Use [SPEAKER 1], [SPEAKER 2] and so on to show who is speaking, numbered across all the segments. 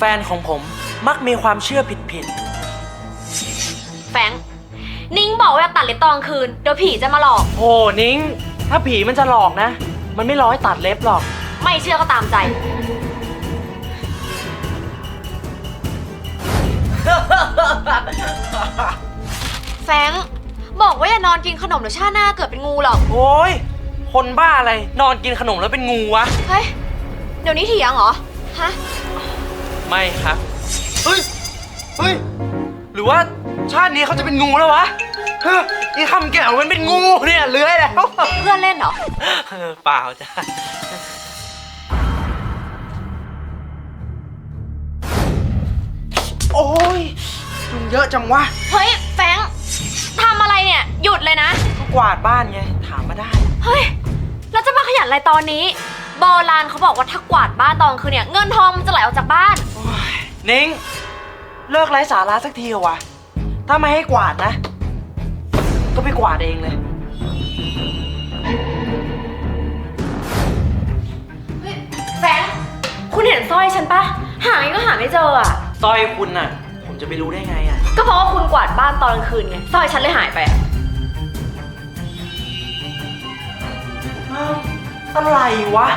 [SPEAKER 1] นของผมมักมีความเชื่อผิด
[SPEAKER 2] แฟงนิ้งบอกว่าตัดเล็บตอนกลางคืนเดี๋ยวผีจะมาหลอก
[SPEAKER 1] ๆโอ้นิ้งถ้าผีมันจะหลอกนะ มันไม่ร้อยตัดเล็บหรอก
[SPEAKER 2] ไม่เชื่อก็ตามใจ แฟงบอกว่าอย่านอนกินขนมเดี๋ยวชาติหน้าเกิดเป็นงูหรอก
[SPEAKER 1] โอ้ยคนบ้าอะไรนอนกินขนมแล้วเป็นงูวะ
[SPEAKER 2] เฮ้ยเดี๋ยวนี้เถียงเหรอฮะ
[SPEAKER 1] ไม่ครับเฮ้ยหรือว่าชาตินี้เขาจะเป็นงูแล้ววะเฮ้ยไอ้คำแก้วมันเป็นงูเนี่ยเลื้อยแล้ว
[SPEAKER 2] เพื่อนเล่นเหรอ
[SPEAKER 1] เปล่าจ้ะโอ้ยยุงเยอะจังวะ
[SPEAKER 2] เฮ้ยแฟงทำอะไรเนี่ยหยุดเลยนะ
[SPEAKER 1] ก็กวาดบ้านไงถามมาได้
[SPEAKER 2] เฮ้ยแล้วจะมาขยันอะไรตอนนี้โบราณเขาบอกว่าถ้ากวาดบ้านตอนคืนเนี่ยเงินทองมันจะไหลออกจากบ้าน
[SPEAKER 1] โอ้ยนิ้งเลิกไร้สาระสักทีเหรอวะถ้าไม่ให้กวาดนะ ก็ไปกวาดเองเลย
[SPEAKER 2] แฟงคุณเห็นสร้อยฉันปะหายังก็หาไม่เจออ่ะ
[SPEAKER 1] สร้อยคุณน่ะ ผมจะไปรู้ได้ไงอ่ะ
[SPEAKER 2] ก็เพราะว่าคุณกวาดบ้านตอนกลางคืนไงสร้อยฉันเลยหายไปอะ
[SPEAKER 1] อ้าวอะไรวะ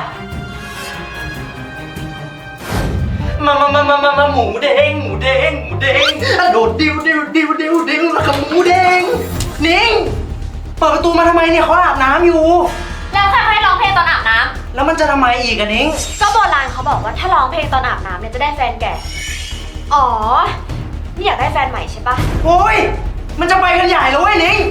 [SPEAKER 1] มาหมูเด้งโดดดิวแล้วก็หมูเด้งนิ้งเปิดประตูมาทำไมเนี่ยเขาอาบน้ำอยู่
[SPEAKER 2] แล้วใครให้ร้องเพลงตอนอาบน้ำ
[SPEAKER 1] แล้วมันจะทำไมอีกอะนิ้ง
[SPEAKER 2] ก็โบราณเขาบอกว่าถ้าร้องเพลงตอนอาบน้ำเนี่ยจะได้แฟนแก่อ๋อนี่อยากได้แฟนใหม่ใช่ปะ
[SPEAKER 1] โอ้ยมันจะไปกันใหญ่แล้วเว้ยนิ้ง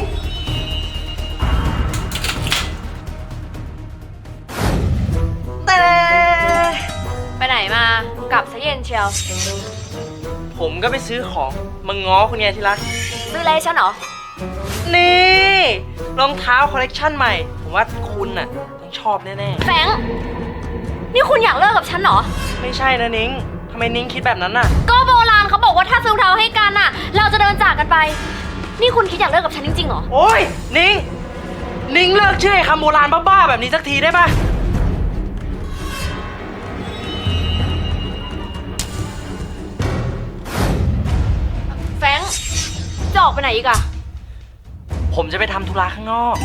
[SPEAKER 1] แต่
[SPEAKER 2] ไปไหนมากลับซะเย็นเชียว
[SPEAKER 1] ผมก็ไปซื้อของมาง้อคุณไงที่รัก
[SPEAKER 2] ซื้ออะไรให้ฉันเหรอ
[SPEAKER 1] นี่รองเท้าคอลเลกชันใหม่ ผมว่าคุณน่ะต้องชอบแน่
[SPEAKER 2] แฟงนี่คุณอยากเลิกกับฉันเหรอ
[SPEAKER 1] ๆ ไม่ใช่นะนิ้งทำไมนิ้งคิดแบบนั้นน่ะ
[SPEAKER 2] ก็โบราณเขาบอกว่าถ้าซื้อรองเท้าให้กันน่ะ เราจะเดินจากกันไป นี่คุณคิดอยากเลิกกับฉันจริงๆเหรอ
[SPEAKER 1] โอ้ยนิ้งเลิกเชื่อไอ้คำโบราณบ้าๆแบบนี้สักทีได้ปะ
[SPEAKER 2] แฟงจะออกไปไหนอีกอะ
[SPEAKER 1] ผมจะไปทำธุระข้างนอก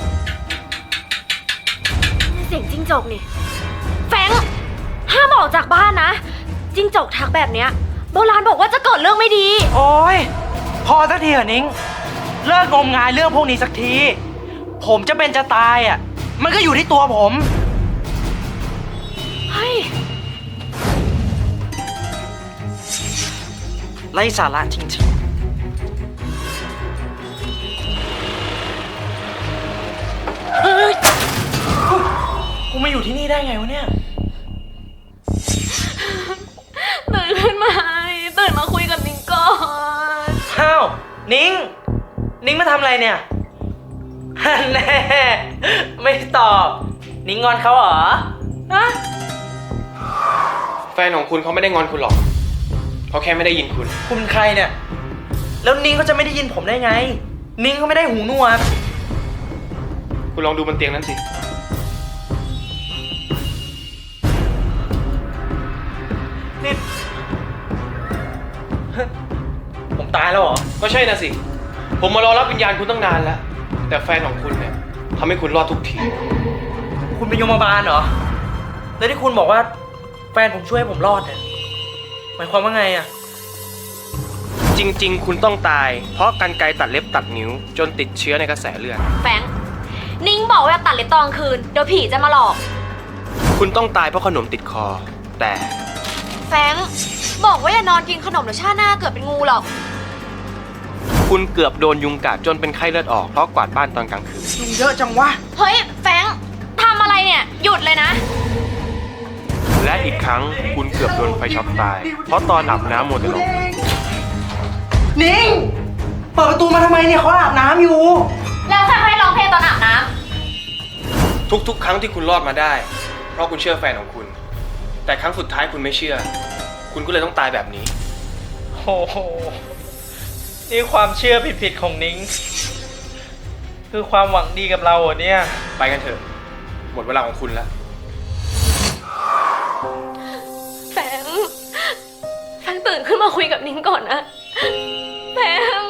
[SPEAKER 2] เสียงจิ้งจกนี่ แฟงห้ามออกจากบ้านนะ จิ้งจกทักแบบเนี้ยโบราณบอกว่าจะเกิดเรื่องไม่ดี
[SPEAKER 1] โอ้ยพอสักทีเหรอนิ้งเลิกงมงายเรื่องพวกนี้สักที ผมจะเป็นจะตายอ่ะมันก็อยู่ที่ตัวผม
[SPEAKER 2] เฮ้ย
[SPEAKER 1] ไร้สาระจริงๆเฮ้ยกูมาอยู่ที่นี่ได้ไงวะเนี่ย
[SPEAKER 2] ตื่นขึ้นมาตื่นมาคุยกับนิ้งก่อน
[SPEAKER 1] อ้าวนิ้งมาทำอะไรเนี่ยฮันแน่ไม่ตอบนิ้งงอนเขาเหรอฮะ
[SPEAKER 3] แฟนของคุณเขาไม่ได้งอนคุณหรอกเขาแค่ไม่ได้ยินคุณ
[SPEAKER 1] คุณเป็นใครเนี่ยแล้วนิ้งเขาจะไม่ได้ยินผมได้ไงนิ้งเขาไม่ได้หูหนวก
[SPEAKER 3] คุณลองดูบนเตียงนั้นสิ
[SPEAKER 1] นี่ผมตายแล้วเหรอ
[SPEAKER 3] ก็ใช่นะสิ ผมมารอรับวิญญาณคุณตั้งนานแล้ว แต่แฟนของคุณเนี่ยทำให้คุณรอดทุกที
[SPEAKER 1] คุณเป็นยมบาลเหรอแล้วที่คุณบอกว่าแฟนผมช่วยให้ผมรอดเนี่ยหมายความว่าไงอะ
[SPEAKER 3] จริงๆ คุณต้องตาย เพราะกรรไกรตัดเล็บตัดนิ้ว จนติดเชื้อในกระแสเลือด
[SPEAKER 2] แฟงนิ้งบอกว่าตัดเล็บตอนกลางคืนเดี๋ยวผีจะมาหลอก
[SPEAKER 3] คุณต้องตายเพราะขนมติดคอ แต่
[SPEAKER 2] แฟงบอกว่าอย่านอนกินขนมเดี๋ยวชาติหน้าเกิดเป็นงูหรอก
[SPEAKER 3] คุณเกือบโดนยุงกัดจนเป็นไข้เลือดออกเพราะกวาดบ้านตอนกลางคืน
[SPEAKER 1] ยุงเยอะจังวะ
[SPEAKER 2] เฮ้ยแฟงทำอะไรเนี่ยหยุดเลยนะ
[SPEAKER 3] และอีกครั้งคุณเกือบโดนไฟช็อตตาย เพราะตอนอาบน้ำโมเดลลง
[SPEAKER 1] นิ้งเปิดประตูมาทำไมเนี่ยเขาอาบน้ำอยู่
[SPEAKER 2] แล้วใครให้ร้องเพลงตอนอาบน้
[SPEAKER 3] ทุกๆ ครั้งที่คุณรอดมาได้ เพราะคุณเชื่อแฟนของคุณ แต่ครั้งสุดท้ายคุณไม่เชื่อ คุณก็เลยต้องตายแบบนี้
[SPEAKER 1] โอ้โหนี่ความเชื่อผิดๆของนิ้งคือความหวังดีกับเราเหรอเนี่ย
[SPEAKER 3] ไปกันเถอะ หมดเวลาของคุณแล้ว
[SPEAKER 2] ำแฟงงตื่นขึ้นมาคุยกับนิ้งก่อนนะแฟง